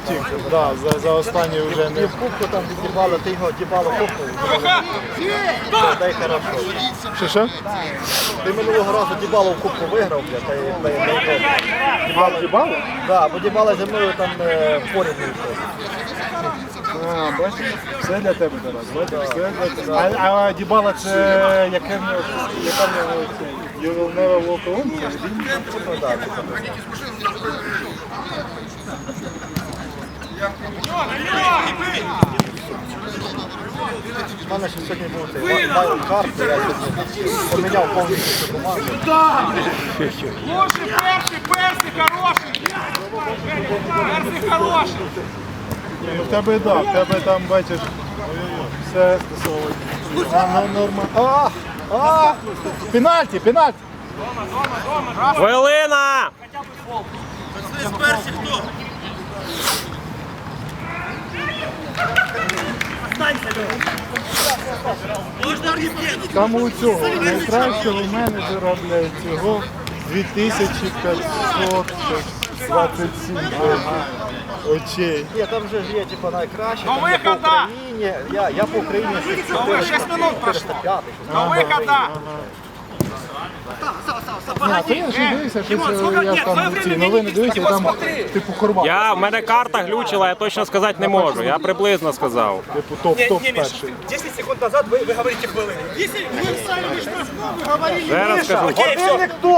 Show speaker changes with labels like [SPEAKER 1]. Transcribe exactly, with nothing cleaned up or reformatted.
[SPEAKER 1] втік. Да, за, за останній вже
[SPEAKER 2] І
[SPEAKER 1] не...
[SPEAKER 2] в кубку там відібали, ти його дібало кубку. Дай хорошо.
[SPEAKER 1] Що, що?
[SPEAKER 2] Ти минулого разу дібало в кубку виграв, бля, та й та й дай.
[SPEAKER 1] Дібало? Дібало?
[SPEAKER 2] Так, бо дібало зі мною там е, поряд не йшов.
[SPEAKER 1] А, бачиш, все для тебе, Тарас, бачиш, все для тебе. А, а Дібала це яке в нього, яка в нього це? You will never walk alone? Це ж він?
[SPEAKER 2] Ну, да, типу. У мене ще сьогодні був цей вайлд карт, я сьогодні поміняв повністю цю команду.
[SPEAKER 3] Лучший перший, перший хороший. Перший хороший.
[SPEAKER 1] Ну, в тебе, да, в тебе там, бачиш, все а, ну, норма. А, а, пенальті, пенальті.
[SPEAKER 4] Хвилина!
[SPEAKER 1] Там у цього найкращого менеджера, блядь, цього дві тисячі п'ятсот двадцять сім ага, очей.
[SPEAKER 2] Ні, там вже ж є типу, найкраще,
[SPEAKER 3] До
[SPEAKER 2] там є по
[SPEAKER 3] виходу!
[SPEAKER 2] Україні, я, я по Україні
[SPEAKER 3] ви шість минут
[SPEAKER 2] чотириста п'ятий.
[SPEAKER 3] До вихода.
[SPEAKER 1] А, то я ж дивився, що це, я ж там ці новини дивився, і там типу Хорват,
[SPEAKER 4] Я, в мене карта глючила, я точно сказати не можу. Я приблизно сказав.
[SPEAKER 1] типу топ-топ перший.
[SPEAKER 3] десять секунд назад вы, вы говорите хвилину. Если вы сами штрафную, вы говорили.
[SPEAKER 4] Ще раз кажу.
[SPEAKER 3] Окей, все.